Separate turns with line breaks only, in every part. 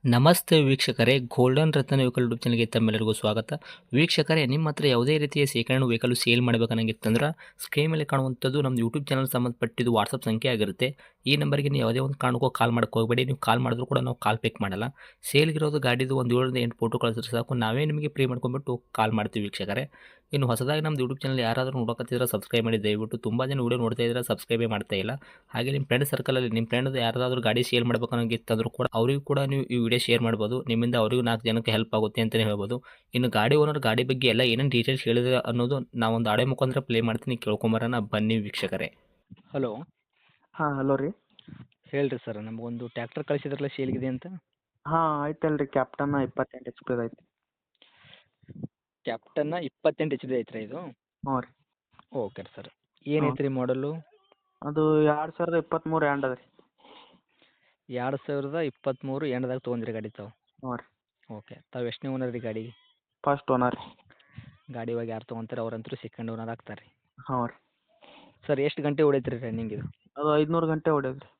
ನಮಸ್ತೆ ವೀಕ್ಷಕರೇ, ಗೋಲ್ಡನ್ ರತ್ನ vehicle YouTube ಚಾನಲ್ಗೆ ತಮ್ಮೆಲ್ಲರಿಗೂ ಸ್ವಾಗತ. ವೀಕ್ಷಕರೇ, ನಿಮ್ಮ ಹತ್ರ ಯಾವುದೇ ರೀತಿಯ ಶೇಖರಣೆ ವೆಹಿಕಲ್ ಸೇಲ್ ಮಾಡಬೇಕನ್ನಂಗಿತ್ತಂದ್ರೆ ಸ್ಕ್ರೀನ್ ಮೇಲೆ ಕಾಣುವಂಥದ್ದು ನಮ್ಮ ಯೂಟ್ಯೂಬ್ ಚಾನಲ್ ಸಂಬಂಧಪಟ್ಟಿದ್ದು ವಾಟ್ಸಪ್ ಸಂಖ್ಯೆ ಆಗಿರುತ್ತೆ. ಈ ನಂಬರ್ಗೆ ನೀವು ಯಾವುದೇ ಒಂದು ಕಾರಣಕ್ಕೂ ಕಾಲ್ ಮಾಡಕ್ಕೆ ಹೋಗಬೇಡಿ. ನೀವು ಕಾಲ್ ಮಾಡಿದ್ರು ಕೂಡ ನಾವು ಕಾಲ್ ಪಿಕ್ ಮಾಡಲ್ಲ. ಸೇಲ್ಗಿರೋದು ಗಾಡಿದು ಒಂದು 7ರಿಂದ 8 ಫೋಟೋ ಕಳಿಸಿದ್ರೆ ಸಾಕು, ನಾವೇ ನಿಮಗೆ ಪ್ರೀ ಮಾಡ್ಕೊಂಡ್ಬಿಟ್ಟು ಕಾಲ್ ಮಾಡ್ತೀವಿ ವೀಕ್ಷಕರೇ. ಇನ್ನು ಹೊಸದಾಗಿ ನಮ್ಮದು ಯೂಟ್ಯೂಬ್ ಚಾನಲ್ ಯಾರಾದರೂ ನೋಡೋಕತ್ತಿದ್ರೆ ಸಬ್ಸ್ಕ್ರೈಬ್ ಮಾಡಿ ದಯವಿಟ್ಟು. ತುಂಬ ಜನ ವೀಡಿಯೋ ನೋಡ್ತಾ ಇದ್ದಾರೆ, ಸಬ್ಸ್ಕ್ರೈಬೇ ಮಾಡ್ತಾ ಇಲ್ಲ. ಹಾಗೆ ನಿಮ್ಮ ಫ್ರೆಂಡ್ ಸರ್ಕಲಲ್ಲಿ ನಿಮ್ಮ ಫ್ರೆಂಡ್ ಯಾರಾದರೂ ಗಾಡಿ ಸೇಲ್ ಮಾಡ್ಬೇಕನ್ನೋಂಗಿತ್ತಂದ್ರೂ ಕೂಡ ಅವರಿಗೂ ಕೂಡ ನೀವು ಈ ವಿಡಿಯೋ ಶೇರ್ ಮಾಡ್ಬೋದು. ನಿಮ್ಮಿಂದ ಅವರಿಗೂ 4 ಜನಕ್ಕೆ ಹೆಲ್ಪ್ ಆಗುತ್ತೆ ಅಂತಲೇ ಹೇಳ್ಬೋದು. ಇನ್ನು ಗಾಡಿ ಓನರ್ ಗಾಡಿ ಬಗ್ಗೆ ಎಲ್ಲ ಏನೇನು ಡೀಟೇಲ್ಸ್ ಹೇಳಿದ್ರೆ ಅನ್ನೋದು ನಾವೊಂದು ಆಡಿಯೋ ಮುಖಾಂತರ ಪ್ಲೇ ಮಾಡ್ತೀನಿ, ಕೇಳ್ಕೊಂಬರೋಣ ಬನ್ನಿ ವೀಕ್ಷಕರೇ.
ಹಲೋ,
ಹಾಂ, ಹಲೋ ರೀ.
ಹೇಳ್ರಿ ಸರ್. ನಮಗೊಂದು ಟ್ಯಾಕ್ಟರ್ ಕಳಿಸಿದ್ರಲ್ಲ ಸೇಲ್ಗಿದೆ ಅಂತ.
ಹಾಂ, ಐತಲ್ರಿ. ಕ್ಯಾಪ್ಟನ್ 28 HP ಐತಿ.
ಕ್ಯಾಪ್ಟನ್ನ 28 HP ಐತ್ರಿ ಇದು?
ಹ್ಞೂ ರೀ.
Okay sir. ಏನೈತೆ ರೀ ಮಾಡಲು?
ಅದು 2023 ಎಂಡ್ ಅದ ರೀ.
2023 ಎಂಡ್ದಾಗ ತೊಗೊಂಡ್ರಿ ಗಾಡಿ ತಾವು?
ಹ್ಞೂ ರೀ.
ಓಕೆ. ತಾವು ಎಷ್ಟನೇ ಓನರ್ ರೀ ಗಾಡಿಗೆ?
ಫಸ್ಟ್ ಓನರ್ ರೀ.
ಗಾಡಿ ಇವಾಗ ಯಾರು ತೊಗೊಂತಾರೆ ಅವ್ರಂತರೂ ಸೆಕೆಂಡ್ ಓನರ್ ಆಗ್ತಾರೆ ರೀ.
ಹ್ಞೂ ರೀ.
ಸರ್ ಎಷ್ಟು ಗಂಟೆ ಹೊಡೈತ್ರಿ ರನ್ನಿಂಗ್ ಇದು?
ಅದು 500 ಗಂಟೆ ಹೊಡ್ಯದ ರೀ.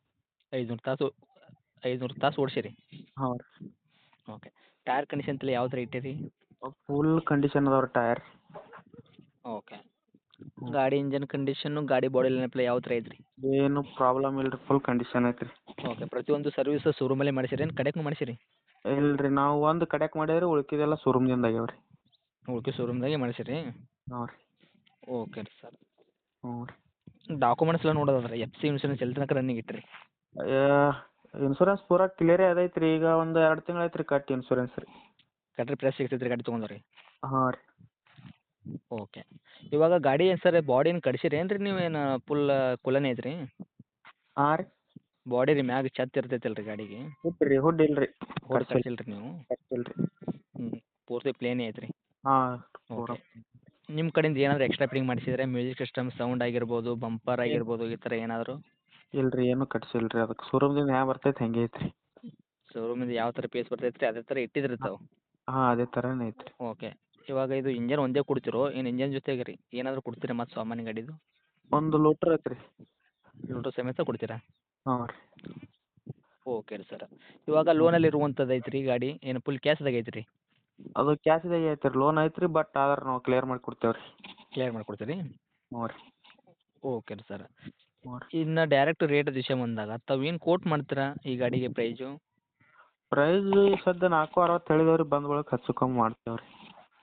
500 ತಾಸು ಓಡಿಸಿರಿ?
ಹ್ಞೂ ರೀ.
ಓಕೆ. ಟೈರ್ ಕಂಡೀಷನ್ ತಲೆ ಯಾವ ಥರ ಇಟ್ಟಿರಿ?
ಫುಲ್ ಕಂಡೀಷನ್ ಅದಾವ ರೀ ಟೈರ್.
ಓಕೆ. ಗಾಡಿ ಇಂಜನ್ ಕಂಡೀಷನ್ನು, ಗಾಡಿ ಬಾಡಿ ಲೈನಪ್ಲೆ ಯಾವ ಥರ ಐತ್ರಿ?
ಏನು ಪ್ರಾಬ್ಲಮ್ ಇಲ್ಲ ರೀ, ಫುಲ್ ಕಂಡೀಷನ್ ಐತಿ ರೀ.
ಓಕೆ. ಪ್ರತಿಯೊಂದು ಸರ್ವಿಸ್ ಶೋರೂಮಲ್ಲೇ ಮಾಡಿಸಿರಿ ಏನು ಕಡೆಗೂ ಮಾಡಿಸಿರಿ?
ಇಲ್ಲ ರೀ, ನಾವು ಒಂದು ಕಡೆಕ್ ಮಾಡಿದ್ರೆ ಉಳ್ಕಿದೆಲ್ಲ ಶೋರೂಮ್ದಿಂದ ಆಗ್ಯಾವ ರೀ.
ಉಳ್ಕೆ ಶೋರೂಮ್ದಾಗೆ ಮಾಡಿಸಿರಿ?
ಹ್ಞೂ ರೀ.
ಓಕೆ ರೀ ಸರ್.
ಹ್ಞೂ ರೀ.
ಡಾಕ್ಯುಮೆಂಟ್ಸ್ ಎಲ್ಲ ನೋಡೋದಾದ್ರೆ FC ಇನ್ಶೂರೆನ್ಸ್ ಎಲ್ಲಿ ತನಕ ರನ್ನಿಂಗ್ ಇಟ್ಟಿರಿ?
ಇನ್ಸೂರೆನ್ಸ್ ಪೂರಾ ಕ್ಲಿಯರೇ ಅದೈತೆ ರೀ. ಈಗ ಒಂದು 2 ತಿಂಗಳು ಐತೆ ರೀ ಕಟ್ಟಿ ಇನ್ಸೂರೆನ್ಸ್ ರೀ.
ಕಟ್ರಿ ಪ್ರೆಸ್ ಸಿಗ್ತೈತೆ ರೀ ಗಾಡಿ ತೊಗೊಂಡ್ರಿ?
ಹಾಂ ರೀ.
ಓಕೆ. ಇವಾಗ ಗಾಡಿ ಏನು ಸರ್ ಬಾಡಿ ಏನು ಕಟ್ಸಿರಿ ಏನು ರೀ ನೀವೇನು ಫುಲ್ ಕುಲನೇ ಐತ್ರಿ?
ಹಾಂ ರೀ.
ಬಾಡಿ ರೀ ಮ್ಯಾಗ ಛತ್ ಇರ್ತೈತಲ್ಲ ರೀ ಗಾಡಿಗೆ?
ಹುಡ್ ಇಲ್ಲ ರೀ.
ಹುಡ್ ಕಟ್ಸಿಲ್ಲ ರೀ ನೀವು?
ಕಟ್ಸಿಲ್ಲ ರೀ.
ಹ್ಞೂ. ಪೂರ್ತಿ ಪ್ಲೇನೇ ಐತ್ರಿ?
ಹಾಂ.
ಓಕೆ. ನಿಮ್ಮ ಕಡೆಯಿಂದ ಏನಾದರೂ ಎಕ್ಸ್ಟ್ರಾ ಫಿಟ್ಟಿಂಗ್ ಮಾಡಿಸಿದ್ರೆ ಮ್ಯೂಸಿಕ್ ಸಿಸ್ಟಮ್ ಸೌಂಡ್ ಆಗಿರ್ಬೋದು, ಬಂಪರ್ ಆಗಿರ್ಬೋದು, ಈ ಥರ ಏನಾದರೂ?
ಇಲ್ಲ ರೀ, ಏನೂ ಕಟ್ಸಿಲ್ಲ ರೀ. ಅದಕ್ಕೆ ಶೋರೂಮ್ದಿಂದ ಹ್ಯಾಂಗೆ ಬರ್ತೈತೆ ಹಂಗೆ ಐತೆ ರೀ.
ಶೋರೂಮಿಂದ ಯಾವ ಥರ ಪೀಸ್ ಬರ್ತೈತೆ ರೀ ಅದೇ ಥರ ಇಟ್ಟಿದ್ರಿ ತಾವು?
ಹಾಂ, ಅದೇ ಥರನೇ ಐತೆ ರೀ.
ಓಕೆ. ಇವಾಗ ಇದು ಇಂಜನ್ ಒಂದೇ ಕೊಡ್ತಿರೋ ಏನು ಇಂಜನ್ ಜೊತೆಗೆ ರೀ ಏನಾದರೂ ಕೊಡ್ತೀರಾ ಮತ್ತು ಸಾಮಾನ್ಯ ಗಾಡಿದು?
ಒಂದು ಲೋಟ್ರ್ ಐತೆ ರೀ.
ಲೋಟೋ ಸಮೇತ ಕೊಡ್ತೀರಾ?
ಹಾಂ ರೀ.
ಓಕೆ ರೀ ಸರ್. ಇವಾಗ ಲೋನಲ್ಲಿ ಇರುವಂಥದ್ದು ಐತ್ರಿ ಗಾಡಿ ಏನು ಫುಲ್ ಕ್ಯಾಶ್ದಾಗ ಐತ್ರಿ?
ಅದು ಕ್ಯಾಶ್ದಾಗೆ ಐತೆ ರೀ. ಲೋನ್ ಐತೆ ರೀ, ಬಟ್ ಆದ್ರೆ ನಾವು ಕ್ಲಿಯರ್ ಮಾಡಿ ಕೊಡ್ತೇವೆ ರೀ.
ಕ್ಲಿಯರ್ ಮಾಡ್ಕೊಡ್ತೀರಿ?
ಹ್ಞೂ ರೀ.
ಓಕೆ ರೀ ಸರ್.
ಹ್ಞೂ ರೀ.
ಇನ್ನು ಡೈರೆಕ್ಟ್ ರೇಟ್ ವಿಷಯ ಬಂದಾಗ ತಾವು ಏನು ಕೋಟ್ ಮಾಡ್ತೀರಾ ಈ ಗಾಡಿಗೆ ಪ್ರೈಸು?
ಪ್ರೈಸ್ ಸದ್ಯ 460 ಹೇಳಿದೇವೆ ರೀ. ಬಂದ ಬಳಿಕ ಹೆಚ್ಚು ಕಮ್ಮಿ ಮಾಡ್ತೇವೆ ರೀ.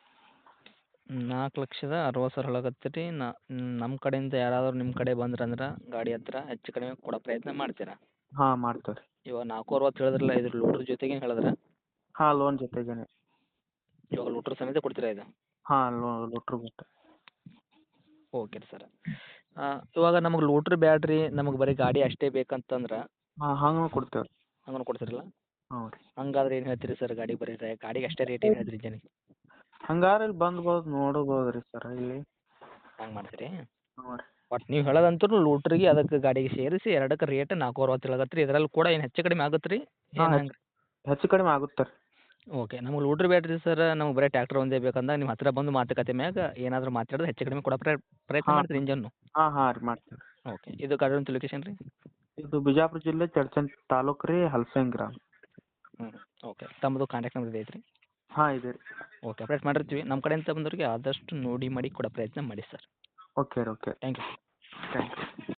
4,60,000 ಹೇಳಕತ್ತೀರಿ. ನಮ್ಮ ಕಡೆಯಿಂದ ಯಾರಾದರೂ ನಿಮ್ಮ ಕಡೆ ಬಂದ್ರಂದ್ರೆ ಗಾಡಿ ಹತ್ರ ಹೆಚ್ಚು ಕಡಿಮೆ ಕೊಡೋ ಪ್ರಯತ್ನ ಮಾಡ್ತೀರಾ?
ಹಾಂ, ಮಾಡ್ತೇವೆ ರೀ.
ಇವಾಗ 460 ಹೇಳಿದ್ರಲ್ಲ, ಇದ್ರ ಲೋಡ್ರ್ ಜೊತೆಗೆ ಹೇಳಿದ್ರೆ?
ಹಾಂ, ಲೋನ್ ಜೊತೆಗೇನೆ.
ಇವಾಗ ಲೋಟ್ರ್ ಸಮೇತ ಕೊಡ್ತೀರಾ ಇದು?
ಹಾಂ, ಲೋಟ್ರ್ ಬಿಟ್ಟು.
ಓಕೆ ರೀ ಸರ್. ಇವಾಗ ನಮಗೆ ಲೋಟ್ರ್ ಬ್ಯಾಡ್ರಿ, ನಮಗೆ ಬರೀ ಗಾಡಿ ಅಷ್ಟೇ ಬೇಕಂತಂದ್ರೆ
ಹಾಂ, ಹಂಗೂ ಕೊಡ್ತೇವೆ ರೀ.
ಹಂಗನು ಕೊಡ್ತೀರಲ್ಲ?
ಹ್ಞೂ ರೀ.
ಹಂಗಾದ್ರೆ ಏನು ಹೇಳ್ತೀರಿ ಸರ್ ಗಾಡಿ ಬರೀ ಗಾಡಿಗೆ ಅಷ್ಟೇ ರೇಟ್ ಏನು ಹೇಳ್ತೀರಿ ಇಂಜನಿಗೆ?
ಹಂಗಾರೆ ಇಲ್ಲಿ ಬಂದ್ಬೋದು ನೋಡ್ಬೋದು ರೀ ಸರ್ ಇಲ್ಲಿ.
ಹಂಗೆ ಮಾಡ್ತೀರಿ?
ಹ್ಞೂ ರೀ.
ಬಟ್ ನೀವು ಹೇಳೋದಂತೂ ಲೋಟ್ರಿಗೆ ಅದಕ್ಕೆ ಗಾಡಿಗೆ ಸೇರಿಸಿ ಎರಡಕ್ಕೆ ರೇಟ್ 460 ಹೇಳಕತ್ತೀರಿ. ಇದರಲ್ಲಿ ಕೂಡ ಏನು ಹೆಚ್ಚು ಕಡಿಮೆ ಆಗುತ್ತೆ ರೀ?
ಹಾಂ,
ಏನು ಹೆಂಗೆ?
ಹೆಚ್ಚು ಕಡಿಮೆ ಆಗುತ್ತೆ ರೀ.
ಓಕೆ. ನಮಗೆ ಲೋಟ್ರ್ ಬ್ಯಾಡ್ರಿ ಸರ್, ನಮಗೆ ಬರೀ ಟ್ಯಾಕ್ಟರ್ ಒಂದೇ ಬೇಕಂದಾಗ ನಿಮ್ಮ ಹತ್ರ ಬಂದು ಮಾತುಕತೆ ಮ್ಯಾಗ ಏನಾದರೂ ಮಾತಾಡೋದು ಹೆಚ್ಚು ಕಡಿಮೆ ಕೊಡೋ ಪ್ರಯತ್ನ
ಹಾಂ.
ಮಾಡ್ತೀರಿ ಇಂಜನ್ನು?
ಹಾಂ, ಹಾಂ ರೀ, ಮಾಡ್ತೇವೆ ರೀ.
ಓಕೆ. ಇದು ಗಾಡಿ ಲೊಕೇಶನ್ ರೀ?
ಇದು ಬಿಜಾಪುರ ಜಿಲ್ಲೆ ಚಡ್ಚನ್ ತಾಲೂಕು ರೀ, ಹಲ್ಸಂಗಿ ಗ್ರಾಮ.
ಹ್ಞೂ. ಓಕೆ. ತಮ್ಮದು ಕಾಂಟ್ಯಾಕ್ಟ್ ನಂಬರ್ ಐತ್ರಿ?
ಹಾಂ, ಇದೆ ರೀ.
ಓಕೆ. ಅಪ್ಡೇಟ್ ಮಾಡಿರ್ತೀವಿ. ನಮ್ಮ ಕಡೆಯಿಂದ ಬಂದವರಿಗೆ ಆದಷ್ಟು ನೋಡಿ ಮಾಡಿ ಕೊಡೋ ಪ್ರಯತ್ನ ಮಾಡಿ ಸರ್.
ಓಕೆ ರೀ. Okay.
Thank you.
Thank you.